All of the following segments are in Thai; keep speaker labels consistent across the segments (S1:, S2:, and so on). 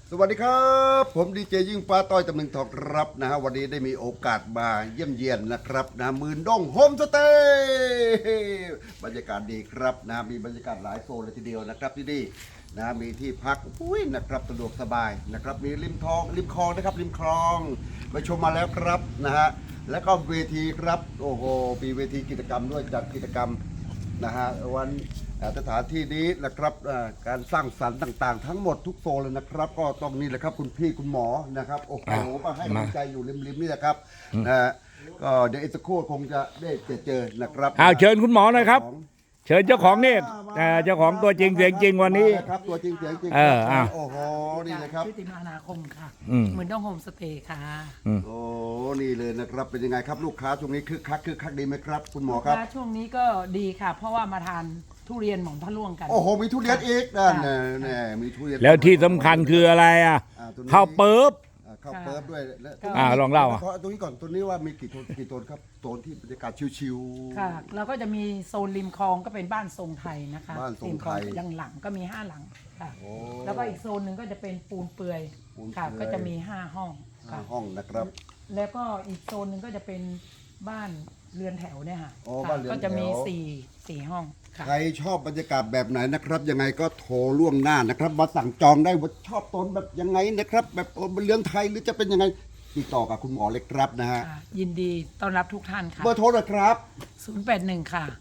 S1: สวัสดีครับผมดีเจยิ่งฟ้าต้อยตำลึงทองครับนะฮะวันนี้ได้มีโอกาสมาเยี่ยมเยียนนะครับนะหมื่นดงโฮมสเตย์บรรยากาศดีครับนะมีบรรยากาศหลายโซนเลยทีเดียวนะครับที่นี่นะมีที่พักอุ้ยนะครับสะดวกสบายนะครับมีริมคลองนะครับริมคลองไปชมมาแล้วครับนะฮะแล้วก็เวทีครับโอ้โหมีเวทีกิจกรรมด้วยจัดกิจกรรมนะฮะวันสถานที่นี้นะครับการสร้างสรรค์ต่างๆทั้งหมดทุกโซนเลยนะครับก็ต้องนี่แหละครับคุณพี่คุณหมอนะครับโอ้โหมาให้กำลังใจอยู่ริมๆนี่แหละครับนะฮะก็เดี๋ยวอีกสักครู่คงจะได้เจอนะครับ
S2: เชิญคุณหมอหน่อยครับเชิญเจ้าของนี่เจ้าของตัวจริงเสียงจริงวันนี้
S1: ครับตัวจริงเสียงจริงโอ้โหนี่เลยครับ
S3: ชื่อติมานาคมค่ะเหมือนต้องโฮมสเตย์ค่ะ
S1: โอ้นี่เลยนะครับเป็นยังไงครับลูกค้าช่วงนี้คึกคักดีไหมครับคุณหมอครับ
S3: ช่วงนี้ก็ดีค่ะ เพราะว่ามาทานทุเรียนหม่อนพระล่วงกัน
S1: โอ้โหมีทุเรียนอีกนั่นแน่มีทุเรียน
S2: แล้วที่สำคัญคืออะไรข้าวเปิ๊บ
S1: ข้าวเปิ๊บด้วย
S2: ลองเล่า
S1: ตรงนี้ก่อนตัวนี้ว่ามีกี่โซนครับโซนที่บรรยากาศชิว
S3: ๆค่ะเราก็จะมีโซนริมคลองก็เป็นบ้านทรงไทยนะคะ
S1: บ้านทรงไทย
S3: หลังก็มี5หลังค่ะแล้วก็อีกโซนหนึ่งก็จะเป็นปูนเปื่อยค่ะก็จะมี5ห้อง
S1: ห้องนะครับ
S3: แล้วก็อีกโซนหนึ่งก็จะเป็นบ้านเรือนแถวเนี่ยค่ะก็จะมี4ห้อง
S1: ใครชอบบรรยากาศแบบไหนนะครับยังไงก็โทรล่วงหน้านะครับมาสั่งจองได้ว่าชอบโซนแบบยังไงนะครับแบบเรือนไทยหรือจะเป็นยังไงติดต่อกับคุณหมอเลยครับนะฮะ
S3: ยินดีต้อนรับทุกท่านค่ะ
S1: เบอร์โทรเลยครับ
S3: 081ค่ะ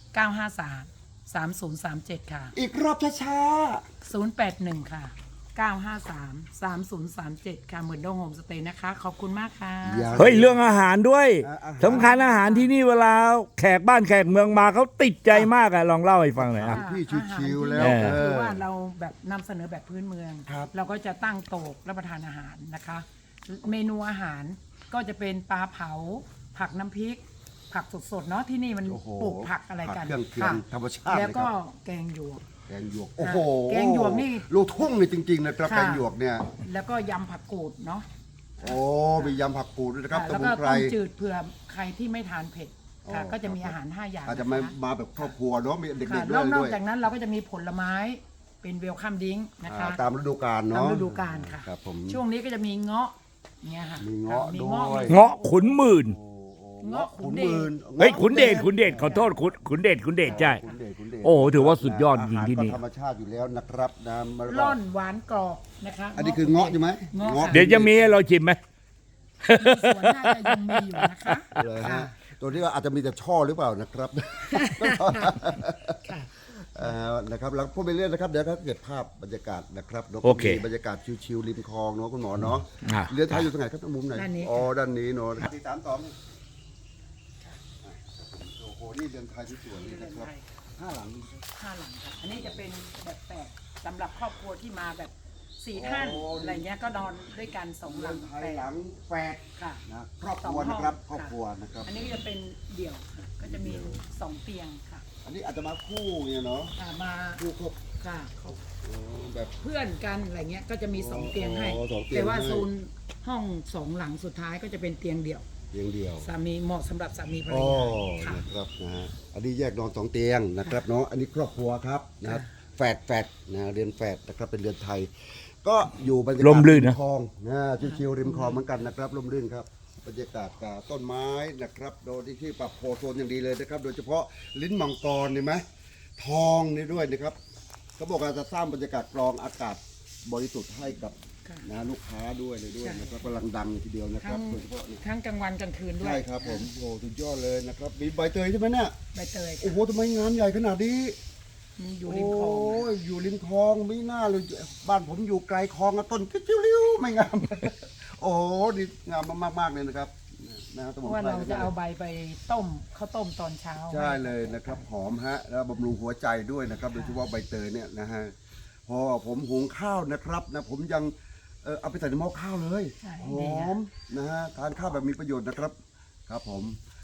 S3: 953 3037ค่ะ
S1: อีกรอบช้า
S3: 081ค่ะ953 3037ค่ะเหมือนโดงโฮมสเตย์นะคะขอบคุณมากค่ะ
S2: เฮ้ยเรื่องอาหารด้วยสำคัญอาหารที่นี่เวลาแขกบ้านแขกเมืองมาเขาติดใจมากลองเล่าให้ฟังหน่อย
S1: พี่ชิวๆแล้ว
S3: คือว่าเราแบบนำเสนอแบบพื้นเมืองเราก็จะตั้งโต๊ะรับประทานอาหารนะคะเมนูอาหารก็จะเป็นปลาเผาผักน้ำพริกผักสดๆเนาะที่นี่มันปลูกผักอะไรกัน
S1: ค่ะธรรมชาติ
S3: แล้วก็แกงหยวก
S1: โอ้โห
S3: แกงหยวกนี่
S1: ลูกทุ่งนี่จริงๆนะครับแกงหยวกเนี่ย
S3: แล้วก็ยำผักกูดเนาะ
S1: โอ้มียำผักกูดด้วยนะครับ
S3: แล้วก็ต้มจืดเผื่อใครที่ไม่ทานเผ็ดค่ะก็จะมีอาหาร5อย่าง
S1: อาจจะมาแบบครอบครัวเนาะมีเด็กๆด้วย
S3: นอกจากนั้นเราก็จะมีผลไม้เป็นเวลคัมดิ้งนะคะ
S1: ตามฤดูกาลเนาะ
S3: ตามฤดูกาลค่ะช่วงนี้ก็จะมีเงาะเนี่ยค่ะ
S1: มีเงาะด้วย
S2: เงาะขุนหมื่น
S3: เงาะขุนเดช
S2: เฮ้ยขุนเดชขอโทษขุนเดชใช่โอ้ถือว่าสุดยอดจริงที่นี่
S1: ธรรมชาติอยู่แล้วนะครับนะ
S3: ร่อนหวานกรอบนะคะ
S1: อันนี้คือเงาะใช่ไหม
S2: เดี๋ยวจะมีให้เราชิมไหม
S3: สวนน่าจะยังมีอยู่นะคะ
S1: ตัวนี้อาจจะมีแต่ช่อหรือเปล่านะครับนะครับแล้วพูดไปเรื่อยนะครับเดี๋ยวถ้าเกิดภาพบรรยากาศนะครับ
S2: โอเค
S1: บรรยากาศชิวๆริมคลองเนาะคุณหมอเนาะเรือไทยอยู่ตรงไหนครับมุมไหนอ๋อด้านนี้เนาะ432โอ้โหนี่เรือนไทยที่สวยเลยนะครับ5 หลัง
S3: ค่ะอันนี้จะเป็นแบบแปดสำหรับครอบครัวที่มาแบบ4 ท่านอะไรเงี้ยก็นอนด้วยกัน2 หลัง
S1: หลังแฝด
S3: ค่ะ
S1: นะครอบครัวนะครับครอบครัวนะครับ
S3: อันนี้ก็จะเป็นเดี่ยวก็จะมี2 เตียงค่ะ
S1: อันนี้อาจจะมาคู่เนี่ยเนาะ
S3: มา
S1: คู่ครบ
S3: ค่ะ
S1: แบบ
S3: เพื่อนกันอะไรเงี้ยก็จะมี2 เตียงให้แต่ว่าโซนห้อง2 หลังสุดท้ายก็จะเป็นเตียงเดี่ยวสามีเหมาะสำหรับสามีภรรยา
S1: นะครับนะฮะอันนี้แยกนอน2 เตียงนะครับเนาะอันนี้ครอบครัวครับนะครับแฝดนะเรือนแฝดนะครับเป็นเรือนไทยก็อยู่บรรยากาศริมคลองนะชิวๆริมคลองเหมือนกันนะครับร่มรื่นครับบรรยากาศกับต้นไม้นะครับโดยที่ปรับโพโซนอย่างดีเลยนะครับโดยเฉพาะลิ้นมังกรเห็นไหมทองนี่ด้วยนะครับเขาบอกว่าจะสร้างบรรยากาศกรองอากาศบริสุทธิ์ให้กับนะลูกค้าด้วยนะครับกำลังดังทีเดียวนะครับโดยเฉพาะ
S3: ทั้งกลางวันกลางคืนด้วย
S1: ใช่ครับผมโอ้สุดยอดเลยนะครับมีใบเตยใช่ไหมเนี่ย
S3: ใบเตย
S1: โอ้โหทำไมงานใหญ่ขนาดนี้
S3: อยู่ริมคลอง
S1: อยู่ริมคลองไม่น่าเลยบ้านผมอยู่ไกลคลองต้นกิ้วริ้วไม่งามโอ้ดีงามมากๆเลยนะครับ
S3: ว่าเราจะเอาใบไปต้มข้าวต้มตอนเช้า
S1: ใช่เลยนะครับหอมฮะแล้วบำรุงหัวใจด้วยนะครับโดยเฉพาะใบเตยเนี่ยนะฮะพอผมหุงข้าวนะครับนะผมยังเอาไปใส่ในหม้อข้าวเลยหอมนะฮะทานข้าวแบบมีประโยชน์นะครับครับผม